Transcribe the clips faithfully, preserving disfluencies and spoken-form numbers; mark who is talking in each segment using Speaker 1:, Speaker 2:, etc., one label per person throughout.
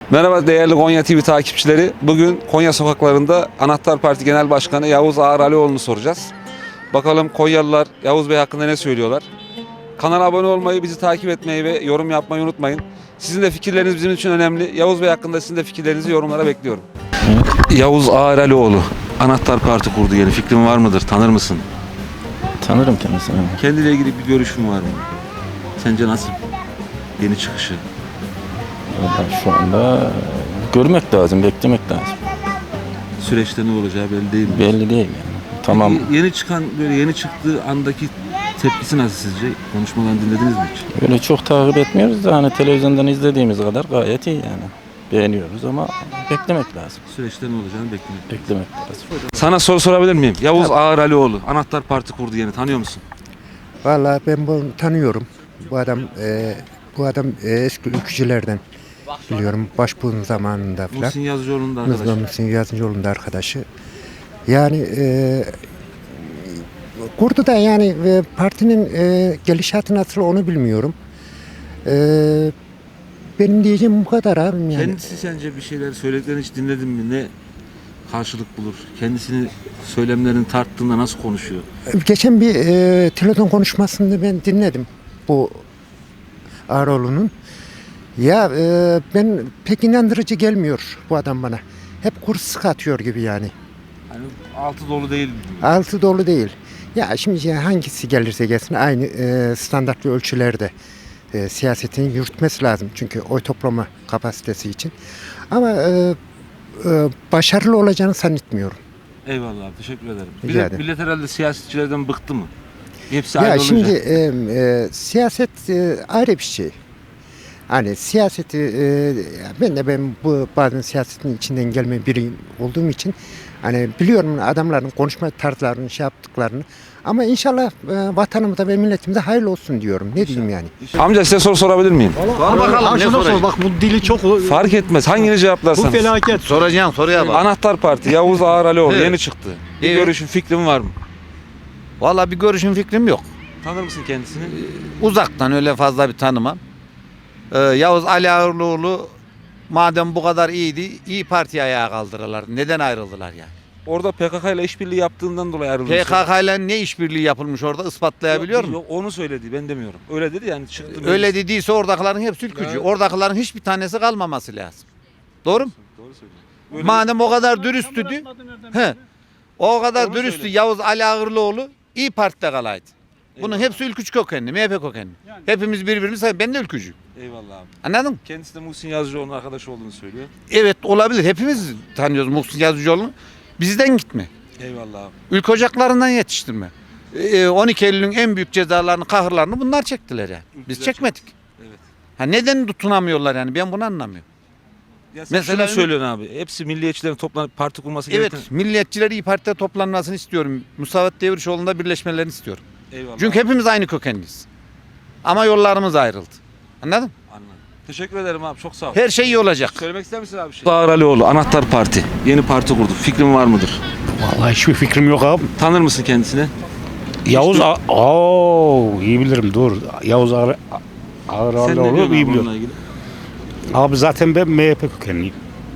Speaker 1: Merhaba değerli Konya T V takipçileri. Bugün Konya sokaklarında Anahtar Parti Genel Başkanı Yavuz Ağar Alioğlu'nu soracağız. Bakalım Konyalılar Yavuz Bey hakkında ne söylüyorlar? Kanala abone olmayı, bizi takip etmeyi ve yorum yapmayı unutmayın. Sizin de fikirleriniz bizim için önemli. Yavuz Bey hakkında sizin de fikirlerinizi yorumlara bekliyorum. Yavuz Ağar Alioğlu Anahtar Parti kurdu yeni. Fikrin var mıdır? Tanır mısın?
Speaker 2: Tanırım kendisini.
Speaker 1: Kendiyle ilgili bir görüşün var mı? Sence nasıl? Yeni çıkışı.
Speaker 2: Vallahi şu anda görmek lazım, beklemek lazım.
Speaker 1: Süreçte ne olacağı belli değil mi?
Speaker 2: Belli değil yani. Tamam.
Speaker 1: Peki, yeni çıkan böyle yeni çıktığı andaki tepkisi nasıl sizce? Konuşmalarını dinlediniz mi hiç?
Speaker 2: Öyle çok takip etmiyoruz da hani televizyondan izlediğimiz kadar gayet iyi yani. Beğeniyoruz ama beklemek lazım.
Speaker 1: Süreçte ne olacağını beklemek.
Speaker 2: Beklemek lazım.
Speaker 1: Sana soru sorabilir miyim? Yavuz Ağar Alioğlu Anahtar Parti kurdu yeni. Tanıyor musun?
Speaker 3: Vallahi ben bunu tanıyorum. Bu adam e, bu adam e, eski ülkücülerden biliyorum. Başbuğ'un zamanında falan.
Speaker 1: Muhsin Yazıcıoğlu'nun da arkadaşı.
Speaker 3: Muhsin Yazıcıoğlu'nun da arkadaşı. Yani e, kurdu da yani e, partinin e, gelişatı nasıl onu bilmiyorum. E, benim diyeceğim bu kadar abim yani.
Speaker 1: Kendisi sence bir şeyler söylediklerini hiç dinledin mi? Ne karşılık bulur? Kendisini söylemlerini tarttığında nasıl konuşuyor?
Speaker 3: Geçen bir e, telefon konuşmasını ben dinledim bu Ağaroğlu'nun. Ya e, ben pek inandırıcı gelmiyor bu adam bana. Hep kurs sıkatıyor gibi yani.
Speaker 1: Hani altı dolu değil.
Speaker 3: Altı dolu değil. Ya şimdi hangisi gelirse gelsin aynı e, standartlı ölçülerde e, siyasetini yürütmesi lazım. Çünkü oy toplama kapasitesi için. Ama e, e, başarılı olacağını zannetmiyorum.
Speaker 1: Eyvallah abi, teşekkür ederim. Bir
Speaker 3: Rica
Speaker 1: de
Speaker 3: ederim.
Speaker 1: millet herhalde siyasetçilerden bıktı mı? Hepsi
Speaker 3: Ya
Speaker 1: ayrı
Speaker 3: şimdi
Speaker 1: olunca.
Speaker 3: e, e, siyaset e, ayrı bir şey. Hani siyaseti e, ben de ben bu bazen siyasetin içinden gelme biri olduğum için hani biliyorum adamların konuşma tarzlarını, şey yaptıklarını. Ama inşallah e, vatanımıza ve milletimize hayırlı olsun diyorum. Ne diyeyim yani?
Speaker 1: Amca size soru sorabilir miyim?
Speaker 4: Sor bakalım ne soracağım? Bak bu dili çok
Speaker 1: Fark etmez. Hangini
Speaker 4: bu
Speaker 1: cevaplarsanız.
Speaker 4: felaket.
Speaker 5: Soracağım soruya bak.
Speaker 1: Anahtar Parti Yavuz Ağar Alioğlu
Speaker 5: Evet.
Speaker 1: yeni çıktı. Bir
Speaker 5: Evet.
Speaker 1: görüşün, fikrin var mı?
Speaker 5: Vallahi bir görüşüm fikrim yok.
Speaker 1: Tanır mısın kendisini?
Speaker 5: Uzaktan öyle fazla bir tanımam. Ee, Yavuz Ali Ağırlıoğlu madem bu kadar iyiydi, İyi Parti'ye ayağa kaldırırlar. Neden ayrıldılar yani?
Speaker 1: Orada P K K ile işbirliği yaptığından dolayı ayrıldı.
Speaker 5: P K K ile ne işbirliği yapılmış orada ispatlayabiliyor mu?
Speaker 1: Yok, onu söyledi, ben demiyorum. Öyle dedi yani çıktı.
Speaker 5: Öyle dediyse oradakilerin hepsi ülkücü.
Speaker 1: Evet.
Speaker 5: Oradakilerin hiçbir tanesi kalmaması lazım. Doğru mu?
Speaker 1: Doğru söylüyor. Öyle-
Speaker 5: Madem o kadar dürüsttü, he, o kadar
Speaker 1: Onu
Speaker 5: dürüsttü
Speaker 1: söyle.
Speaker 5: Yavuz Ali Ağırlıoğlu İyi Parti'de kalaydı. Bunun
Speaker 1: Eyvallah.
Speaker 5: hepsi ülkücü kökenli, M H P kökenli. Hepimiz birbirimiz, ben de ülkücüyüm.
Speaker 1: Eyvallah abi.
Speaker 5: Anladın mı?
Speaker 1: Kendisi de Muhsin Yazıcıoğlu'nun arkadaşı olduğunu söylüyor.
Speaker 5: Evet olabilir. Hepimiz tanıyoruz Muhsin Yazıcıoğlu'nu. Bizden gitme.
Speaker 1: Eyvallah abi.
Speaker 5: Ülke ocaklarından yetiştirme. Ee, on iki Eylül'ün en büyük cezalarını, kahırlarını bunlar çektiler yani. Biz
Speaker 1: Ülkücüler
Speaker 5: çekmedik.
Speaker 1: Evet.
Speaker 5: Ha neden tutunamıyorlar yani? Ben bunu anlamıyorum.
Speaker 1: Ya sen
Speaker 5: Mesela-
Speaker 1: şunu söylüyorsun abi. Hepsi milliyetçilerin toplanıp parti kurması
Speaker 5: Evet,
Speaker 1: gereken.
Speaker 5: milliyetçiler İyi Parti'de toplanmasını istiyorum. Musavat Devrişoğlu'nda birleşmelerini istiyorum.
Speaker 1: Eyvallah.
Speaker 5: Çünkü hepimiz aynı kökenliyiz. Ama yollarımız ayrıldı. Anladın mı?
Speaker 1: Anladım. Teşekkür ederim abi. Çok sağ ol.
Speaker 5: Her şey iyi olacak.
Speaker 1: Söylemek ister misin abi bir şey? Ağar Alioğlu Anahtar Parti. Yeni parti kurdu. Fikrin var mıdır?
Speaker 4: Vallahi hiçbir fikrim yok abi.
Speaker 1: Tanır mısın kendisini?
Speaker 4: Yavuz A- Oo iyi bilirim dur. Yavuz Ağır Ağır
Speaker 1: Sen ne diyorsun
Speaker 4: Ağırlıoğlu iyi
Speaker 1: abi
Speaker 4: biliyorum.
Speaker 1: onunla ilgili?
Speaker 4: Abi zaten ben M H P kökenliyim.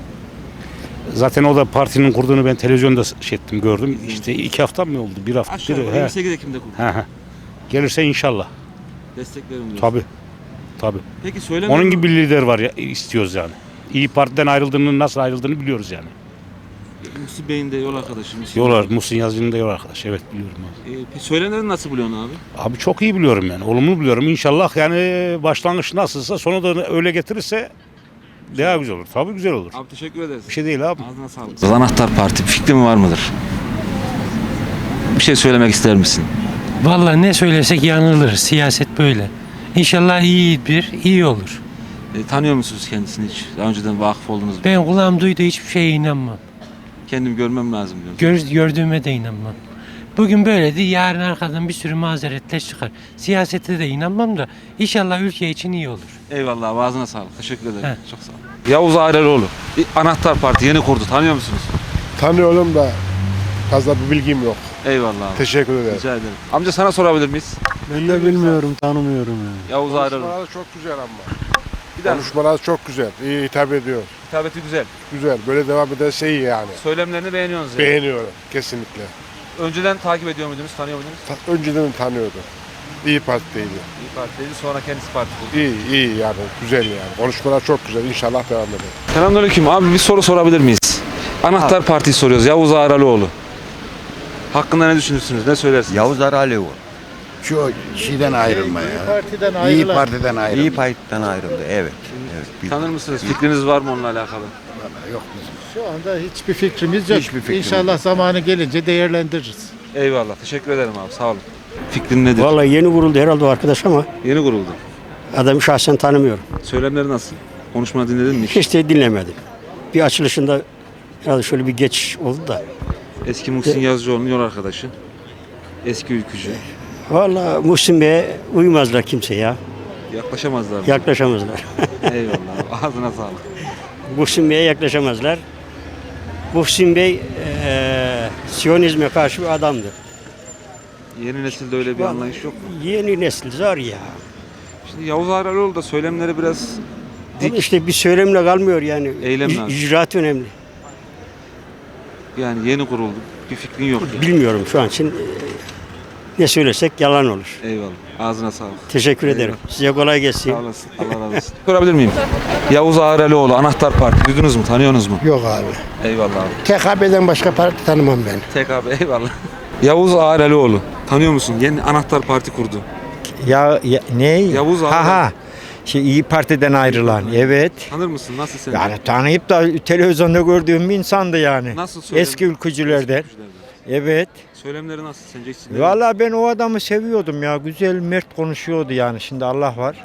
Speaker 4: Zaten o da partinin kurduğunu ben televizyonda şey ettim gördüm. İşte iki hafta mı oldu? Bir hafta.
Speaker 1: Aşağı
Speaker 4: bir,
Speaker 1: yukarı
Speaker 4: he.
Speaker 1: yirmi sekiz Ekim'de kurdu.
Speaker 4: He, he. Gelirse inşallah.
Speaker 1: Desteklerim diyorsun.
Speaker 4: Tabii. Tabii.
Speaker 1: Peki söyleme.
Speaker 4: Onun gibi bir lider var ya istiyoruz yani. İyi Parti'den ayrıldığını nasıl ayrıldığını biliyoruz yani.
Speaker 1: Muhsin Bey'in de yol arkadaşı. Muhsin
Speaker 4: Yol
Speaker 1: Bey.
Speaker 4: ar- Muhsin Yazıcı'nın da yol arkadaş. Evet biliyorum abi.
Speaker 1: Ee, peki söyleneni nasıl buluyorsun abi?
Speaker 4: Abi çok iyi biliyorum yani. Olumlu biliyorum. İnşallah yani başlangıç nasılsa sonu da öyle getirirse daha güzel olur. Tabii güzel olur.
Speaker 1: Abi teşekkür ederiz.
Speaker 4: Bir şey değil abi.
Speaker 1: Ağzına sağlık. Anahtar Parti fikrin var mıdır? Bir şey söylemek ister misin?
Speaker 6: Vallahi ne söylesek yanılır. Siyaset böyle. İnşallah iyi bir, iyi olur.
Speaker 1: E, tanıyor musunuz kendisini hiç? Daha önceden vakıf oldunuz mu?
Speaker 6: Ben kulağım duyduğu hiçbir şeye inanmam.
Speaker 1: Kendim görmem lazım diyorum.
Speaker 6: Gör, gördüğüme de inanmam. Bugün böyledi, yarın arkadan bir sürü mazeretler çıkar. Siyasete de inanmam da inşallah ülke için iyi olur.
Speaker 1: Eyvallah, ağzına sağlık. Teşekkür ederim.
Speaker 6: He.
Speaker 1: Çok sağ ol. Yavuz Ağar Alioğlu. Bir Anahtar Parti yeni kurdu. Tanıyor musunuz?
Speaker 7: Tanıyorum da fazla bir bilgim yok.
Speaker 1: Eyvallah abi.
Speaker 7: Teşekkür ederim.
Speaker 1: Rica ederim. Amca sana sorabilir miyiz?
Speaker 8: Ben de bilmiyorum, tanımıyorum yani.
Speaker 1: Yavuz Ağar Alioğlu.
Speaker 7: Konuşmaları çok güzel ama.
Speaker 1: Bir daha
Speaker 7: Konuşmaları çok güzel. İyi hitap ediyor.
Speaker 1: Hitabeti güzel.
Speaker 7: Güzel. Böyle devam ederse iyi yani.
Speaker 1: Söylemlerini beğeniyorsunuz yani.
Speaker 7: Beğeniyorum. Kesinlikle.
Speaker 1: Önceden takip ediyor muydunuz, tanıyor muydunuz?
Speaker 7: Ta- önceden tanıyordum. İyi Parti'deydi.
Speaker 1: İyi Parti'ydi, sonra kendisi parti kurdu.
Speaker 7: İyi, iyi yani. Güzel yani. Konuşmalar çok güzel. İnşallah devam eder.
Speaker 1: Selamünaleyküm. Abi bir soru sorabilir miyiz? Anahtar Parti'yi soruyoruz. Yavuz Ağralıoğlu. Hakkında ne düşünürsünüz? Ne söylersiniz?
Speaker 8: Yavuz Aralioğlu.
Speaker 9: Şu şeyden ayrılma ya.
Speaker 10: Partiden
Speaker 9: İyi
Speaker 10: ayrılan.
Speaker 9: Parti'den ayrılma.
Speaker 8: İyi Parti'den ayrıldı. Evet. Evet. bil-
Speaker 1: Tanır mısınız? Fikriniz var mı onunla alakalı?
Speaker 9: Yok bizim.
Speaker 10: Şu anda hiçbir fikrimiz yok.
Speaker 9: Hiçbir fikrimiz
Speaker 10: İnşallah zamanı gelince değerlendiririz.
Speaker 1: Eyvallah. Teşekkür ederim abi. Sağ olun. Fikrin nedir?
Speaker 11: Vallahi yeni kuruldu herhalde o arkadaş ama
Speaker 1: Yeni kuruldu.
Speaker 11: adamı şahsen tanımıyorum.
Speaker 1: Söylemleri nasıl? Konuşma dinledin mi?
Speaker 11: Hiç de dinlemedim. Bir açılışında herhalde şöyle bir geç oldu da.
Speaker 1: Eski Muhsin Yazıcıoğlu'nun yol arkadaşı. Eski ülkücü.
Speaker 11: Vallahi Muhsin Bey'e uymazlar kimse ya.
Speaker 1: Yaklaşamazlar mı?
Speaker 11: Yaklaşamazlar.
Speaker 1: Eyvallah abi. Ağzına sağlık.
Speaker 11: Muhsin Bey'e yaklaşamazlar. Muhsin Bey eee Siyonizme karşı bir adamdı.
Speaker 1: Yeni nesilde öyle bir anlayış yok mu?
Speaker 11: Yeni nesil zor ya.
Speaker 1: Şimdi Yavuz Ağralıoğlu da söylemleri biraz
Speaker 11: Ama
Speaker 1: dik.
Speaker 11: işte bir söylemle kalmıyor yani.
Speaker 1: Eylem
Speaker 11: İc-
Speaker 1: lazım.
Speaker 11: İcraat önemli.
Speaker 1: Yani yeni kuruldu. Bir fikrin yok yani.
Speaker 11: Bilmiyorum şu an için. eee, Ne söylesek yalan olur.
Speaker 1: Eyvallah. Ağzına sağlık.
Speaker 11: Teşekkür
Speaker 1: Eyvallah.
Speaker 11: ederim. Size kolay gelsin.
Speaker 1: Sağ olasın. Allah razı olsun. Sorabilir miyim? Yavuz Ağralıoğlu, Anahtar Parti. Duydunuz mu? Tanıyorsunuz mu?
Speaker 3: Yok abi.
Speaker 1: Eyvallah abi.
Speaker 3: T K B'den başka parti tanımam ben.
Speaker 1: T K B eyvallah. Yavuz Ağralıoğlu. Tanıyor musun? Yeni Anahtar Parti kurdu.
Speaker 10: Ya, ya ne?
Speaker 1: Yavuz
Speaker 10: Ha
Speaker 1: Ağralıoğlu.
Speaker 10: ha. Şey İyi Parti'den ayrılan. Evet.
Speaker 1: Tanır mısın? Nasıl sence?
Speaker 10: Yani tanıyıp da televizyonda gördüğüm bir insandı yani.
Speaker 1: Nasıl söylem-
Speaker 10: Eski ülkücülerden.
Speaker 1: Eski ülkücülerden.
Speaker 10: Evet.
Speaker 1: Söylemleri nasıl sence? Hiç dinledin mi?
Speaker 10: Vallahi ben o adamı seviyordum ya. Güzel, mert konuşuyordu yani. Şimdi Allah var.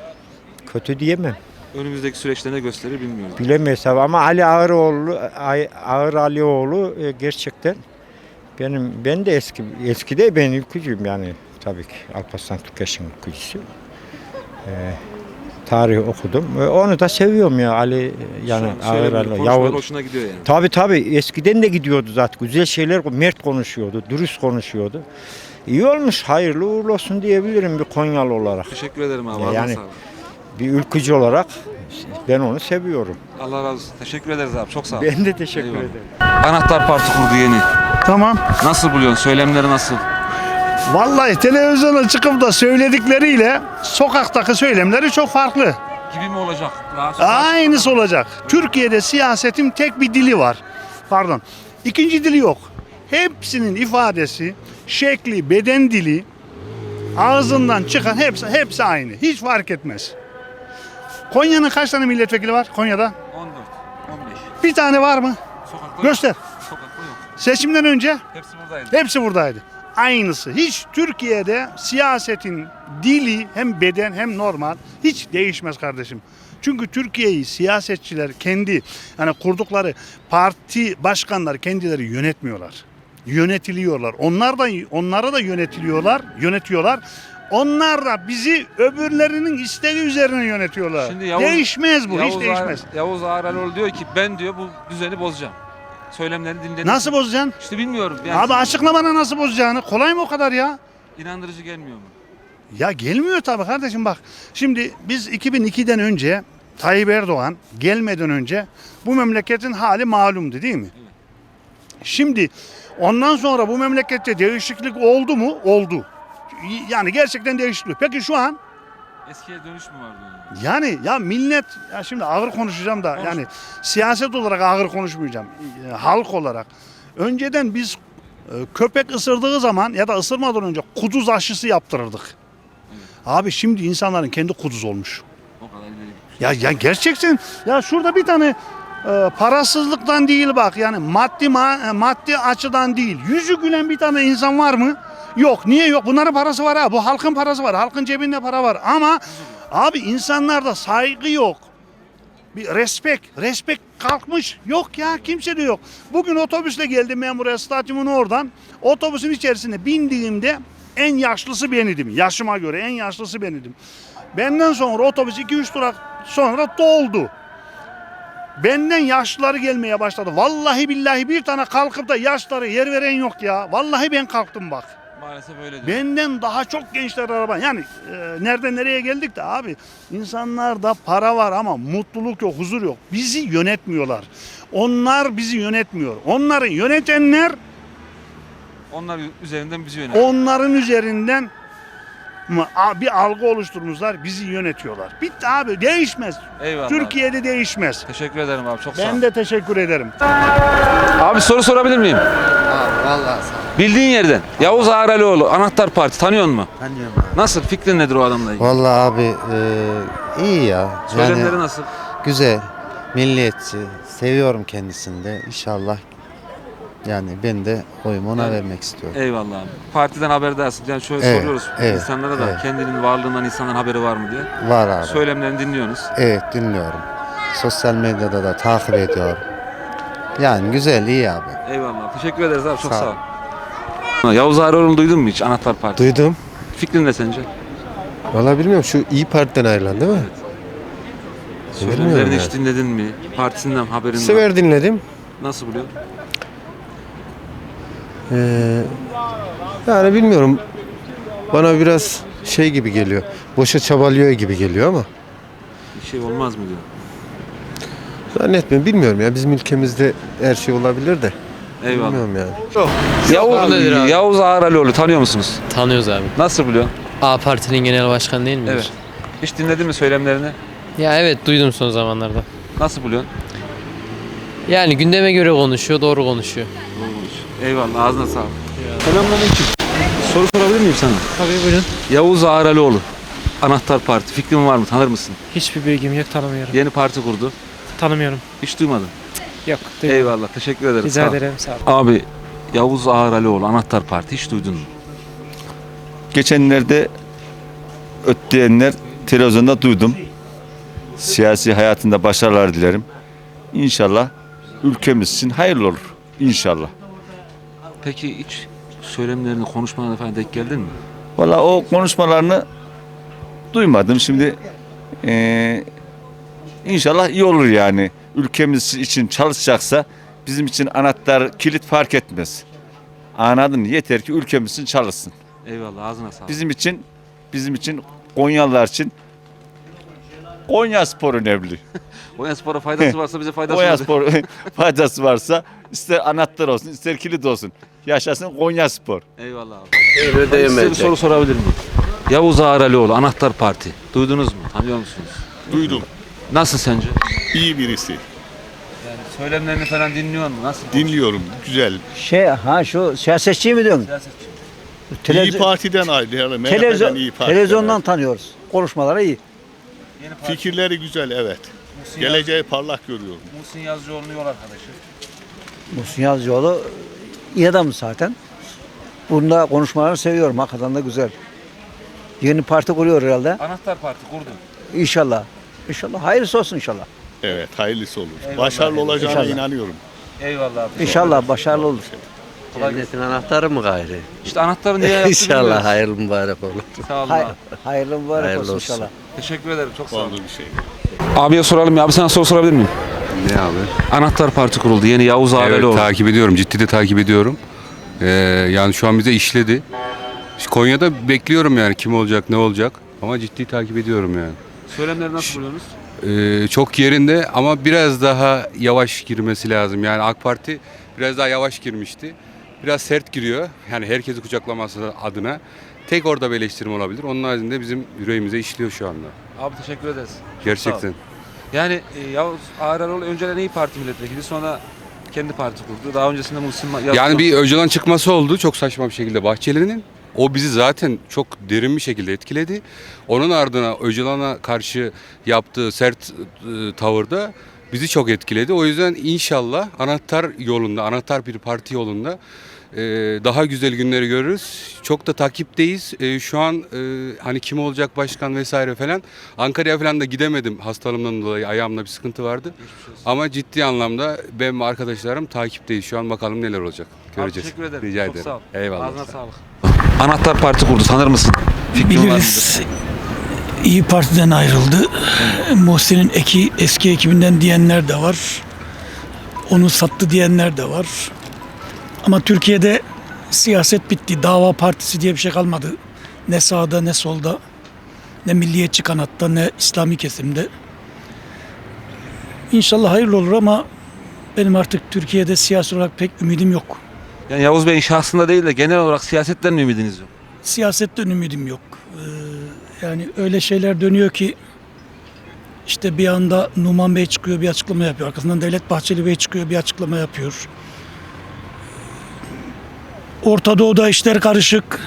Speaker 10: Kötü diyemem.
Speaker 1: Önümüzdeki süreçte ne gösterir bilmiyorum.
Speaker 10: Bilemeyiz tabii ama Ali Ağıroğlu, Ay- Ağır Alioğlu e, gerçekten benim ben de eski eskide ben ülkücüyüm yani tabii ki Alparslan Türkeş'in ülkücüsü. E, tarih okudum. E, onu da seviyorum ya Ali e, yani
Speaker 1: Şu an
Speaker 10: Ağır
Speaker 1: söylemleri,
Speaker 10: Alioğlu.
Speaker 1: konuşmaları
Speaker 10: Yavuz.
Speaker 1: hoşuna gidiyor yani.
Speaker 10: Tabii tabii eskiden de gidiyordu zaten. Güzel şeyler mert konuşuyordu, dürüst konuşuyordu. İyi olmuş, hayırlı uğurlu olsun diyebilirim bir Konyalı olarak.
Speaker 1: Teşekkür ederim abi.
Speaker 10: Ya
Speaker 1: ağzına
Speaker 10: yani-
Speaker 1: sağlık.
Speaker 10: Bir ülkücü olarak ben onu seviyorum.
Speaker 1: Allah razı olsun. Teşekkür ederiz abi. Çok sağ ol.
Speaker 10: Ben de teşekkür
Speaker 1: Eyvallah.
Speaker 10: ederim.
Speaker 1: Anahtar Parti kurdu yeni.
Speaker 12: Tamam.
Speaker 1: Nasıl buluyorsun? Söylemleri nasıl?
Speaker 12: Vallahi televizyona çıkıp da söyledikleriyle sokaktaki söylemleri çok farklı.
Speaker 1: Gibi mi olacak? Daha
Speaker 12: Aynısı olacak. Türkiye'de siyasetin tek bir dili var. Pardon. İkinci dili yok. Hepsinin ifadesi, şekli, beden dili, ağzından çıkan hepsi hepsi aynı. Hiç fark etmez. Konya'nın kaç tane milletvekili var Konya'da?
Speaker 1: on dört, on beş.
Speaker 12: Bir tane var mı?
Speaker 1: Sokakta
Speaker 12: Göster.
Speaker 1: yok. Sokakta yok.
Speaker 12: Seçimden önce
Speaker 1: Hepsi buradaydı.
Speaker 12: hepsi buradaydı. Aynısı. Hiç Türkiye'de siyasetin dili hem beden hem normal hiç değişmez kardeşim. Çünkü Türkiye'yi siyasetçiler kendi yani kurdukları parti başkanları kendileri yönetmiyorlar. Yönetiliyorlar. Onlar da onlara da yönetiliyorlar, yönetiyorlar. Onlar da bizi öbürlerinin isteği üzerine yönetiyorlar.
Speaker 1: Şimdi Yavuz-
Speaker 12: değişmez bu,
Speaker 1: Yavuz
Speaker 12: hiç değişmez.
Speaker 1: Ağar- Yavuz Ağralıoğlu diyor ki ben diyor bu düzeni bozacağım. Söylemlerini dinledim.
Speaker 12: Nasıl bozacaksın?
Speaker 1: İşte bilmiyorum. Yani
Speaker 12: Abi açıkla bana nasıl bozacağını. Kolay mı o kadar ya?
Speaker 1: inandırıcı gelmiyor mu?
Speaker 12: Ya gelmiyor tabii kardeşim bak. Şimdi biz iki bin ikiden önce Tayyip Erdoğan gelmeden önce bu memleketin hali malumdu değil mi? Şimdi ondan sonra bu memlekette değişiklik oldu mu? Oldu. Yani gerçekten değişiklik. Peki şu an
Speaker 1: Eskiye dönüş mü var diyor.
Speaker 12: yani ya millet ya şimdi ağır konuşacağım da
Speaker 1: Konuş.
Speaker 12: yani siyaset olarak ağır konuşmayacağım. E, Halk olarak. Önceden biz e, köpek ısırdığı zaman ya da ısırmadan önce kuduz aşısı yaptırırdık. Abi şimdi insanların kendi kuduz olmuş.
Speaker 1: O kadar ileri gitmiş.
Speaker 12: Ya ya gerçekten ya şurada bir tane e, parasızlıktan değil bak yani maddi ma- maddi açıdan değil. Yüzü gülen bir tane insan var mı? Yok. Niye yok? Bunların parası var ha. Bu halkın parası var. Halkın cebinde para var. Ama abi insanlarda saygı yok. Bir respekt. Respekt kalkmış. Yok ya kimse de yok. Bugün otobüsle geldim ben buraya stadyumun oradan. Otobüsün içerisine bindiğimde en yaşlısı bendim. Yaşıma göre en yaşlısı bendim. Benden sonra otobüs iki üç durak sonra doldu. Benden yaşlıları gelmeye başladı. Vallahi billahi bir tane kalkıp da yaşları yer veren yok ya. Vallahi ben kalktım bak.
Speaker 1: Maalesef öyle diyor.
Speaker 12: Benden daha çok gençler araba. Yani e, nereden nereye geldik de abi. İnsanlarda para var ama mutluluk yok, huzur yok. Bizi yönetmiyorlar. Onlar bizi yönetmiyor. Onları yönetenler
Speaker 1: Onlar üzerinden bizi yönetiyor.
Speaker 12: onların üzerinden mı- a- bir algı oluşturmuşlar. Bizi yönetiyorlar. Bitti abi. Değişmez.
Speaker 1: Eyvallah.
Speaker 12: Türkiye'de değişmez.
Speaker 1: Teşekkür ederim abi. Çok sağ ol.
Speaker 12: Ben de teşekkür ederim.
Speaker 1: Abi soru sorabilir miyim?
Speaker 9: Abi vallahi sağ ol.
Speaker 1: Bildiğin yerden. Yavuz Ağralioğlu Anahtar Parti tanıyor musun?
Speaker 9: Tanıyorum abi.
Speaker 1: Nasıl? Fikrin nedir o adamla ilgili?
Speaker 13: Vallahi abi e, iyi ya.
Speaker 1: Söylemleri nasıl?
Speaker 13: Güzel. Milliyetçi. Seviyorum kendisini de. İnşallah yani ben de oyumu ona
Speaker 1: Evet.
Speaker 13: vermek istiyorum.
Speaker 1: Eyvallah abi. Partiden haberdarsın. Yani şöyle
Speaker 13: Evet,
Speaker 1: soruyoruz
Speaker 13: evet,
Speaker 1: insanlara da
Speaker 13: evet.
Speaker 1: kendinin varlığından insanların haberi var mı diye.
Speaker 13: Var abi.
Speaker 1: Söylemlerini dinliyorsunuz.
Speaker 13: Evet dinliyorum. Sosyal medyada da takip ediyorum. Yani güzel, iyi abi.
Speaker 1: Eyvallah. Teşekkür ederiz abi. Çok
Speaker 13: Sağ
Speaker 1: sağ
Speaker 13: ol.
Speaker 1: ol. Yavuz Ağralioğlu'nu duydun mu hiç Anahtar Parti?
Speaker 7: Duydum.
Speaker 1: Fikrin ne sence?
Speaker 7: Vallahi bilmiyorum, şu İyi Parti'den ayrılan değil mi?
Speaker 1: Söylemlerini
Speaker 7: yani.
Speaker 1: hiç dinledin mi? Partisinden haberin var.
Speaker 7: Sever dinledim.
Speaker 1: Nasıl buluyor?
Speaker 7: Ee, yani bilmiyorum. Bana biraz şey gibi geliyor. Boşa çabalıyor gibi geliyor ama.
Speaker 1: Bir şey olmaz mı diyor.
Speaker 7: Zannetmiyorum. Bilmiyorum ya. Bizim ülkemizde her şey olabilir de.
Speaker 1: Eyvallah.
Speaker 7: Bilmiyorum yani.
Speaker 1: Yavuz, Yavuz Ağralioğlu tanıyor musunuz?
Speaker 14: Tanıyoruz abi.
Speaker 1: Nasıl biliyor?
Speaker 14: A Parti'nin genel başkanı değil midir?
Speaker 1: Evet. Hiç dinledin mi söylemlerini?
Speaker 14: Ya evet duydum son zamanlarda.
Speaker 1: Nasıl buluyorsun?
Speaker 14: Yani gündeme göre konuşuyor, doğru konuşuyor.
Speaker 1: Eyvallah. Ağzına sağlık. Selamünaleyküm. Soru sorabilir miyim sana?
Speaker 6: Tabii buyurun.
Speaker 1: Yavuz Ağralioğlu Anahtar Parti. Fikrin var mı? Tanır mısın?
Speaker 6: Hiçbir bilgim yok, tanımıyorum.
Speaker 1: Yeni parti kurdu.
Speaker 6: Tanımıyorum.
Speaker 1: Hiç duymadın.
Speaker 6: Yok.
Speaker 1: Eyvallah. Teşekkür ederim.
Speaker 6: Rica
Speaker 1: Sağ ol.
Speaker 6: ederim. Sağ olun.
Speaker 1: Abi Yavuz Ağralioğlu Anahtar Parti hiç duydun mu?
Speaker 5: Geçenlerde ötleyenler televizyonda duydum. Siyasi hayatında başarılar dilerim. İnşallah ülkemiz için hayırlı olur. İnşallah.
Speaker 1: Peki hiç söylemlerini, konuşmalarına falan denk geldin mi?
Speaker 5: Valla o konuşmalarını duymadım. Şimdi eee inşallah iyi olur yani. Ülkemiz için çalışacaksa bizim için anahtar, kilit fark etmez. Anladın mı? Yeter ki ülkemiz için çalışsın.
Speaker 1: Eyvallah. Ağzına sağlık.
Speaker 5: Bizim için, bizim için Konyalılar için Konya Spor önemli.
Speaker 1: Konya Spor'a faydası varsa bize faydası
Speaker 5: Konya
Speaker 1: olur.
Speaker 5: Spor faydası varsa ister anahtar olsun, ister kilit olsun. Yaşasın Konya Spor.
Speaker 1: Eyvallah abi. Size bir soru sorabilir miyim? Yavuz Ağralioğlu Anahtar Parti. Duydunuz mu? Tanıyor musunuz?
Speaker 15: Duydum.
Speaker 1: Nasıl sence?
Speaker 15: İyi birisi.
Speaker 1: Yani söylemlerini falan dinliyor mu? Nasıl?
Speaker 15: Dinliyorum. Güzel.
Speaker 11: Şey ha şu siyasetçi mi diyorsun?
Speaker 1: Siyasetçi.
Speaker 15: İyi Parti'den ayrı.
Speaker 11: Televizyon,
Speaker 15: İyi Parti'den
Speaker 11: televizyondan
Speaker 15: ayrı.
Speaker 11: tanıyoruz. Konuşmaları iyi.
Speaker 1: Yeni parti.
Speaker 15: Fikirleri güzel, evet.
Speaker 1: Muhsin
Speaker 15: Geleceği parlak görüyorum.
Speaker 1: Yaz- Muhsin Yazıcıoğlu'nun yol arkadaşı.
Speaker 11: Muhsin Yazıcıoğlu iyi adam zaten. Bunda konuşmalarını seviyorum. Hakikaten de güzel. Yeni parti kuruyor herhalde.
Speaker 1: Anahtar Parti kurdum.
Speaker 11: İnşallah. İnşallah. Hayırlısı olsun inşallah.
Speaker 15: Evet, hayırlısı olur.
Speaker 1: Eyvallah.
Speaker 15: Başarılı olacağına
Speaker 11: İnşallah.
Speaker 15: inanıyorum.
Speaker 1: Eyvallah abi.
Speaker 11: İnşallah başarılı olur.
Speaker 14: Devletin anahtarı mı gayrı?
Speaker 1: İşte anahtarı niye yaptı bilmiyoruz.
Speaker 14: hayırlı mübarek olur.
Speaker 1: Sağ olun
Speaker 11: Hay-
Speaker 1: abi.
Speaker 11: hayırlı mübarek
Speaker 14: Hayırlı
Speaker 11: olsun
Speaker 14: olsun.
Speaker 11: inşallah.
Speaker 1: Teşekkür ederim. Çok sağ olun.
Speaker 15: Oldu bir şey.
Speaker 1: Abiye soralım ya. Abi sana soru sorabilir miyim?
Speaker 8: Ne abi?
Speaker 1: Anahtar Parti kuruldu. Yeni Yavuz Ağralioğlu.
Speaker 16: takip ediyorum. Ciddi de takip ediyorum. Ee, yani şu an bize işledi. Konya'da bekliyorum yani kim olacak, ne olacak. Ama ciddi takip ediyorum yani.
Speaker 1: Söylemleri nasıl buluyorsunuz?
Speaker 16: Ee, çok yerinde ama biraz daha yavaş girmesi lazım. Yani AK Parti biraz daha yavaş girmişti. Biraz sert giriyor. Yani herkesi kucaklaması adına. Tek orada bir eleştirim olabilir. Onun haricinde bizim yüreğimize işliyor şu anda.
Speaker 1: Abi teşekkür ederiz. Çok sağ ol.
Speaker 16: Gerçekten.
Speaker 1: Yani e, Yavuz Ağralioğlu önceden İYİ Parti milletvekili, sonra kendi parti kurdu. Daha öncesinde Muhsin Yazıcıoğlu.
Speaker 16: Yani bir Öcalan çıkması oldu çok saçma bir şekilde Bahçeli'nin. O bizi zaten çok derin bir şekilde etkiledi. Onun ardına Öcalan'a karşı yaptığı sert e, tavırda bizi çok etkiledi. O yüzden inşallah anahtar yolunda, anahtar bir parti yolunda e, daha güzel günleri görürüz. Çok da takipteyiz. E, şu an e, hani kim olacak başkan vesaire falan. Ankara'ya falan da gidemedim hastalığımdan dolayı. Ayağımda bir sıkıntı vardı. Ama ciddi anlamda ben ve arkadaşlarım takipteyiz. Şu an bakalım neler olacak. Göreceğiz.
Speaker 1: Teşekkür ederim.
Speaker 16: Rica
Speaker 1: Çok
Speaker 16: ederim.
Speaker 1: sağ ol.
Speaker 16: Eyvallah.
Speaker 1: Ağzına sağlık. Anahtar Parti kurdu. Tanır mısın? Fikrin var
Speaker 17: Biliriz.
Speaker 1: mıdır?
Speaker 17: İyi Parti'den ayrıldı. Muhsin'in eki, eski ekibinden diyenler de var. Onu sattı diyenler de var. Ama Türkiye'de siyaset bitti. Dava partisi diye bir şey kalmadı. Ne sağda ne solda, ne milliyetçi kanatta ne İslami kesimde. İnşallah hayırlı olur ama benim artık Türkiye'de siyasi olarak pek ümidim yok.
Speaker 1: Yani Yavuz Bey'in şahsında değil de genel olarak siyasetten mi ümidiniz yok?
Speaker 17: Siyasetten ümidim yok. Ee, yani öyle şeyler dönüyor ki işte bir anda Numan Bey çıkıyor bir açıklama yapıyor. Arkasından Devlet Bahçeli Bey çıkıyor bir açıklama yapıyor. Orta Doğu'da işler karışık.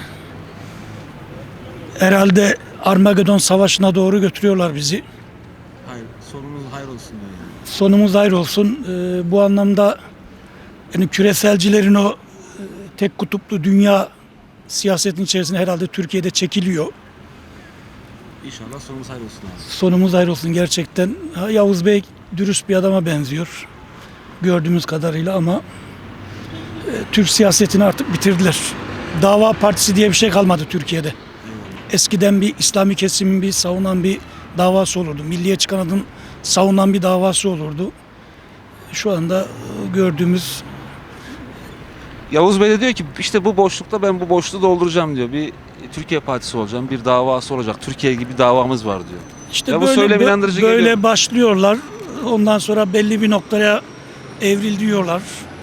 Speaker 17: Herhalde Armagedon Savaşı'na doğru götürüyorlar bizi.
Speaker 1: Hayır, sonumuz hayır olsun diyor yani.
Speaker 17: Sonumuz hayır olsun. Ee, bu anlamda yani küreselcilerin o e, tek kutuplu dünya siyasetin içerisine herhalde Türkiye'de çekiliyor.
Speaker 1: İnşallah sonumuz hayır olsun abi.
Speaker 17: Sonumuz hayır olsun gerçekten. Ha, Yavuz Bey dürüst bir adama benziyor. Gördüğümüz kadarıyla ama e, Türk siyasetini artık bitirdiler. Dava partisi diye bir şey kalmadı Türkiye'de. Eskiden bir İslami kesimin bir savunan bir davası olurdu. Milliyetçi kanadın savunan bir davası olurdu. Şu anda e, gördüğümüz
Speaker 1: Yavuz Bey de diyor ki işte bu boşlukta ben bu boşluğu dolduracağım diyor. Bir Türkiye Partisi olacağım, bir davası olacak. Türkiye gibi bir davamız var diyor.
Speaker 17: İşte
Speaker 1: Ya bu
Speaker 17: böyle
Speaker 1: söylem
Speaker 17: bö-
Speaker 1: inandırıcı
Speaker 17: böyle
Speaker 1: geliyor.
Speaker 17: başlıyorlar. Ondan sonra belli bir noktaya evriliyorlar.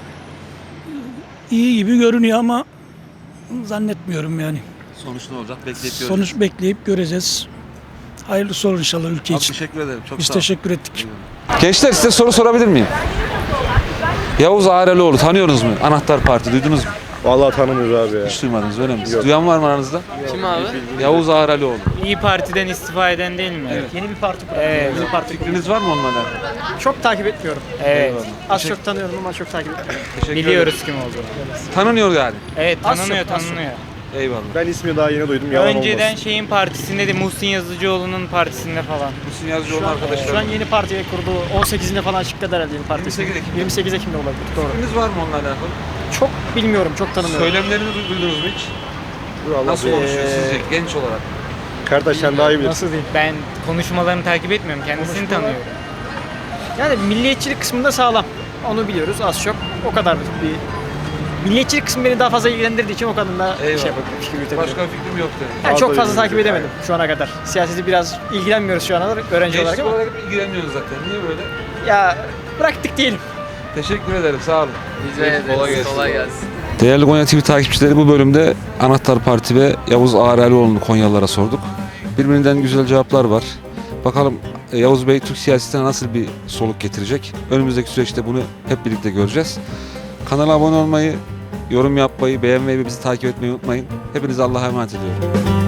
Speaker 17: İyi gibi görünüyor ama zannetmiyorum yani.
Speaker 1: Sonuç ne olacak bekleyip göreceğiz.
Speaker 17: Sonuç bekleyip göreceğiz. Hayırlısı olur inşallah ülke
Speaker 1: Abi
Speaker 17: için.
Speaker 1: teşekkür ederim. Çok
Speaker 17: Biz
Speaker 1: sağ ol.
Speaker 17: teşekkür ettik.
Speaker 1: Gençler size soru sorabilir miyim? Yavuz Ağralioğlu tanıyorsunuz mu? Anahtar Parti duydunuz mu?
Speaker 7: Vallahi tanımıyoruz abi ya.
Speaker 1: Hiç duymadınız öyle mi? Duyan var mı aranızda?
Speaker 14: Kim abi?
Speaker 1: Yavuz Ağralioğlu.
Speaker 18: İyi Parti'den istifa eden değil mi?
Speaker 1: Evet.
Speaker 18: Yeni bir parti kurdu. Evet. Yeni parti
Speaker 1: Fikriniz var mı onunla alakalı?
Speaker 18: Çok takip etmiyorum. Evet.
Speaker 1: Eyvallah.
Speaker 18: Az
Speaker 1: Teşekkür-
Speaker 18: çok tanıyorum ama çok takip etmiyorum.
Speaker 1: Teşekkür
Speaker 18: Biliyoruz
Speaker 1: ederim.
Speaker 18: kim olduğunu.
Speaker 1: Tanınıyor yani.
Speaker 18: Evet,
Speaker 1: Az
Speaker 18: tanınıyor,
Speaker 1: çok, az çok.
Speaker 18: tanınıyor.
Speaker 1: Eyvallah.
Speaker 7: Ben ismi daha yeni duydum. Yalan
Speaker 18: Önceden
Speaker 7: olmasın.
Speaker 18: şeyin partisinde de Muhsin Yazıcıoğlu'nun partisinde falan.
Speaker 1: Muhsin Yazıcıoğlu arkadaşlar.
Speaker 18: Şu an yeni partiye kurdu. on sekizinde falan açıkladı herhalde yeni partisi.
Speaker 1: yirmi sekiz Ekim.
Speaker 18: yirmi sekiz Ekim'de olabilir. Doğru.
Speaker 1: Fikriniz var mı onunla alakalı?
Speaker 18: Çok bilmiyorum, çok tanımıyorum.
Speaker 1: Söylemlerini du- duydunuz mu hiç?
Speaker 7: Vallahi
Speaker 1: Nasıl
Speaker 7: be-
Speaker 1: konuşuyor sizce genç olarak?
Speaker 7: Kardeş sen daha iyi bilirsin.
Speaker 18: Nasıl diyeyim? Ben konuşmalarını takip etmiyorum. Kendisini tanıyorum. Yani milliyetçilik kısmında sağlam. Onu biliyoruz az çok. O kadar bir milliyetçilik kısmı beni daha fazla ilgilendirdiği için o kadar da
Speaker 1: Eyvallah.
Speaker 18: şey yapıp fikir yürütebilirim.
Speaker 1: Başka bir fikrim yok dedi.
Speaker 18: Yani çok
Speaker 7: Fazla
Speaker 18: fazla takip
Speaker 7: ilgilenmiyor.
Speaker 18: edemedim şu ana kadar. Siyaseti biraz ilgilenmiyoruz şu ana öğrenci olarak
Speaker 1: Gençlik
Speaker 18: ama
Speaker 1: olarak ilgileniyoruz zaten. Niye böyle?
Speaker 18: ya bıraktık diyelim.
Speaker 1: Teşekkür ederim. Sağ olun.
Speaker 14: Rica ederiz. Kolay gelsin.
Speaker 1: Değerli Konya T V takipçileri bu bölümde Anahtar Parti ve Yavuz Ağralioğlu'nu Konyalılara sorduk. Birbirinden güzel cevaplar var. Bakalım e, Yavuz Bey Türk siyasetine nasıl bir soluk getirecek? Önümüzdeki süreçte bunu hep birlikte göreceğiz. Kanala abone olmayı, yorum yapmayı, beğenmeyi ve bizi takip etmeyi unutmayın. Hepinize Allah'a emanet ediyorum.